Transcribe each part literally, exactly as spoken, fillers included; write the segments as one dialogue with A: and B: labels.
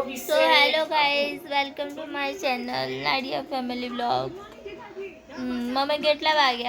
A: So hello guys, welcome to my channel Nadia Family Vlog. Mummy કેટલા વાગ્યા?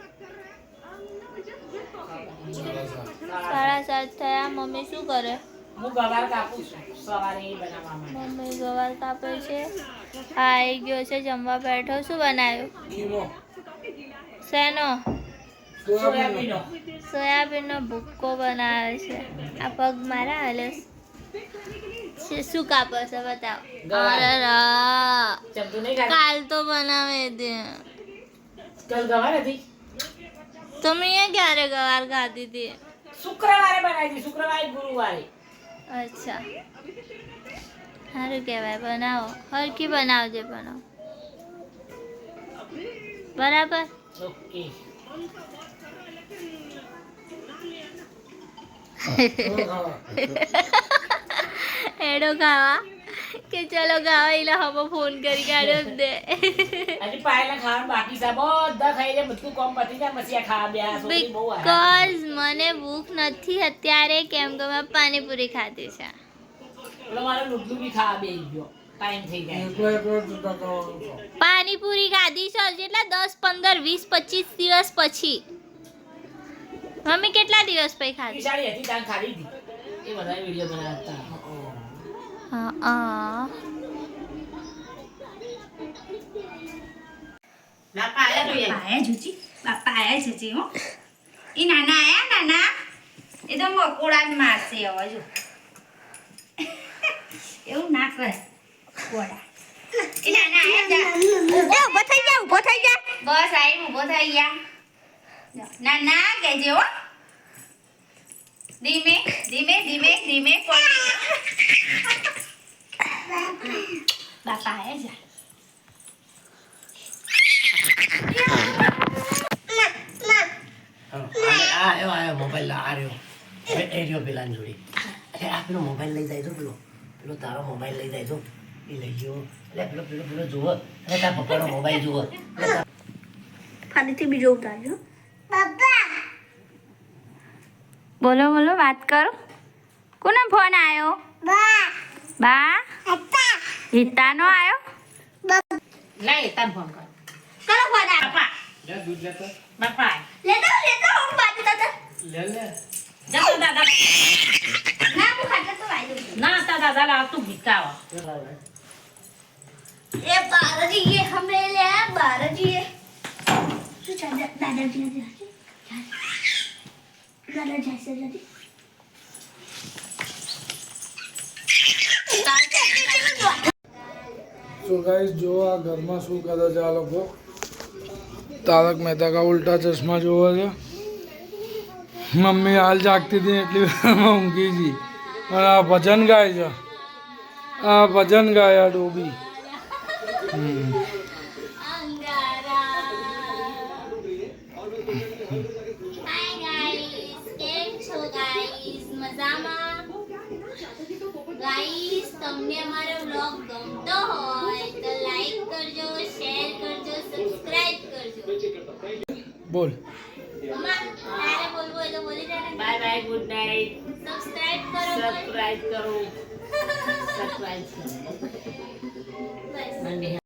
A: સાડા સાત થયા. મમ્મી શું કરે?
B: હું ગવાર કાપું છું સવારે એ બનાવવા માટે.
A: મમ્મી ગવાર કાપે છે. આ આવી ગયો છે જમવા બેઠો. શું બનાવ્યું? શેનો?
B: સોયાબીનો.
A: સોયાબીનનો ભૂક્કો બનાવે છે. આ પગ મારા હાલે શું કાપો છો બતાવો. અરે રા
B: ચમચું નહીં ખાતી?
A: કાલ તો બનાવે દે.
B: કાલ ગવાર હતી?
A: તમે એ ક્યારે ગવાર ખાધી હતી?
B: શુક્રવારે બનાવી હતી, શુક્રવારે ગુરુવારે.
A: અચ્છા સારું કહેવાય. બનાવો હરખી બનાવજે. બનાવો બરાબર.
B: ઓકે.
A: એડો ખાવા કે ચલો ખાવા એટલે હવે ફોન કરી કાઢ્યો જ દે.
B: હજી પાયલા ખાવાનું બાકી છે. બધા ખાઈ જાય, બધું કામ પતી જાય પછી આ ખાવા બે છોકરી બહુ આરામ.
A: બીકોઝ મને ભૂખ નથી અત્યારે, કેમ કે મેં પાણીપુરી ખાધી છે.
B: પેલો મારો લુડુ બી ખાવા બેસી ગયો. ટાઈમ થઈ જાય.
A: પાણીપુરી ખાધી છે જેટલા દસ પંદર વીસ પચીસ દિવસ પછી. મમ્મી કેટલા દિવસ પછી ખાધી?
B: બિચારી હતી ત્યાં ખાધી હતી. એ બધા વિડીયો બનાવતા.
A: હા હા
B: બાપા આયા તો
C: બાપા આયા જુજી બાપા આયા જુજી હો. એ નાના આયા નાના એ તો મકોડા જ મારશે હવે જો. એવું ના કર કોડા. એ નાના આયા જા. એ ઊભો થઈ જા ઊભો થઈ જા. બસ આઈ ઊભો થઈ જા. નાના કહેજે હો. ધીમે ધીમે ધીમે ધીમે પડી. બાપા આયા જા.
D: આવ્યો આવ્યો મોબાઈલ આ રહ્યો એ રહ્યો પેલા જોડી. અરે આ પેલો મોબાઈલ લઈ જાય તો પેલો પેલો તારો મોબાઈલ લઈ જાય તો એ લઈ ગયો. એટલે પેલો પેલો પેલો જુઓ. અરે તારા પપ્પાનો મોબાઈલ જુઓ.
C: ફરીથી બીજો ઉતારજો. પપ્પા બોલો બોલો વાત કરો. કોનો ફોન આવ્યો? બા બા પપ્પા હિતાનો આવ્યો?
B: નહીં તાર ફોન કર.
C: કરો ફોન આવ્યો.
B: બાપા
D: લે દૂધ લેતો
B: બાપા
C: લેતો લેતો હું બાજુ દાદા.
D: લે લે
B: જતો દાદા.
C: ના હું ખાતા તો આવી દઉં.
B: ના તા દાદા લાવ તું ભીકાવ.
C: એ બારજી ये हमें ले बारजी ये શું ચાલે દાદાજી દાદા જैसे જલ્દી
E: तो गाइस जो आ घर में शू करे છે આ લોકો. તારક મહેતા કા ઉલ્ટા ચશ્મા જોવે છે. મમ્મી હાલ જાગતી હતી એટલી વારમાં ઊંઘી ગઈ અને આ ભજન ગાય છે. આ ભજન ગાય આ ડોબી. હમ
A: હાય ગાઈસ, કેમ છો ગાઈસ? મજામાં? ગાઈસ તમને અમારો વ્લોગ ગમતો હોય તો લાઈક કરજો, શેર કરજો, સબસ્ક્રાઇબ કરજો.
E: બોલ.
A: મમ્મા તારે બોલવું હોય તો બોલી દે ને.
B: Bye bye good night.
A: Subscribe કરો.
B: સબસ્ક્રાઇબ કરો. સબસ્ક્રાઇબ કરો.
A: બસ.
B: મંડે